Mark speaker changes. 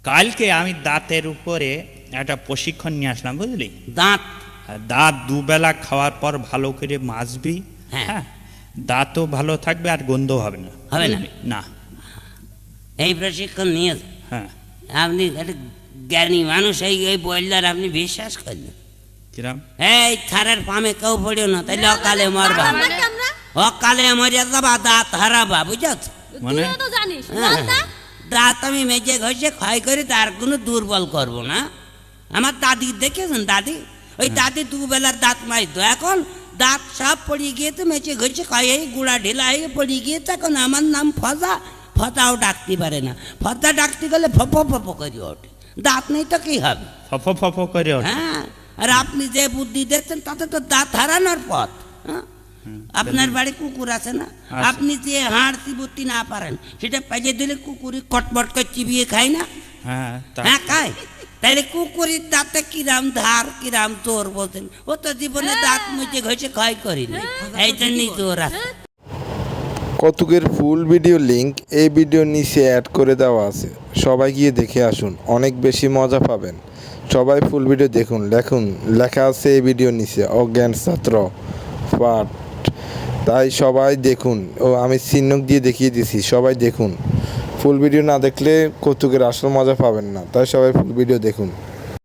Speaker 1: কালকে আমি দাঁতের উপরে একটা প্রশিক্ষণ নিয়ে আসলাম, বুঝলি?
Speaker 2: দাঁত
Speaker 1: দাঁত দুবেলা খাওয়ার পর ভালো করে মাজবি।
Speaker 2: হ্যাঁ।
Speaker 1: হ্যাঁ, দাঁতও ভালো থাকবে আর গন্ধ হবে না।
Speaker 2: হবে না?
Speaker 1: বুঝলি? না।
Speaker 2: এই প্রশিক্ষণ নিয়ে
Speaker 1: হ্যাঁ।
Speaker 2: আপনি একটা জ্ঞানী মানুষ, এই বললার আপনি বিশ্বাস করলেন?
Speaker 1: কিরাম?
Speaker 2: এই থারের পামে কেউ পড়িও না, তাইলে অকালে মরবা। অকালে মরে যাবা, দাঁত হারাবা, বুঝছ?
Speaker 1: মানে
Speaker 2: দাঁত আমি মেজে ঘষে ক্ষয় করি, তার কোনো দুর্বল করব না। আমার দাদি দেখেছেন, দাদি ওই দাদি দুবেলার দাঁত মাইতো, এখন দাঁত সব পড়িয়ে গিয়েছে, মেচে ঘষে ক্ষয় হয়ে গুঁড়া ঢিলা হয়ে পড়িয়ে গিয়েছে। এখন আমার নাম ফজা, ফজাও ডাকতে পারে না। ফজা ডাকতে গেলে ফপ ফপ করে ওঠে। দাঁত নেই তো কি হবে?
Speaker 1: ফফ ফফ করে ওঠে।
Speaker 2: হ্যাঁ, আর আপনি যে বুদ্ধি দেখছেন তাতে তো দাঁত হারানোর পথ। হ্যাঁ, আপনার বাড়ি কুকুর আছে না?
Speaker 1: আছে।
Speaker 2: আপনি যে হাড় চিবুতি না পারেন, সেটা পেঁচে দিলে কুকুরি কটমট করে চিবিয়ে খায় না?
Speaker 1: হ্যাঁ,
Speaker 2: হ্যাঁ, খায়। তাইলে কুকুরের দাঁতে কিরাম ধার কিরাম চোর বলছেন, ও তো জীবনে দাঁত মুচে ঘষে ক্ষয় করিনি, এই জন্যই চোর আছে।
Speaker 3: কৌতুকের ফুল ভিডিও লিংক এই ভিডিওর নিচে অ্যাড করে দেওয়া আছে, সবাই গিয়ে দেখে আসুন, অনেক বেশি মজা পাবেন। সবাই ফুল ভিডিও দেখুন, লেখা আছে এই ভিডিওর নিচে অজ্ঞান ছাত্র পাঠ, তাই সবাই দেখুন। ও আমি চিহ্ন দিয়ে দেখিয়ে দিছি, সবাই দেখুন। ফুল ভিডিও না দেখলে কৌতুকের আসল মজা পাবেন না, তাই সবাই ফুল ভিডিও দেখুন।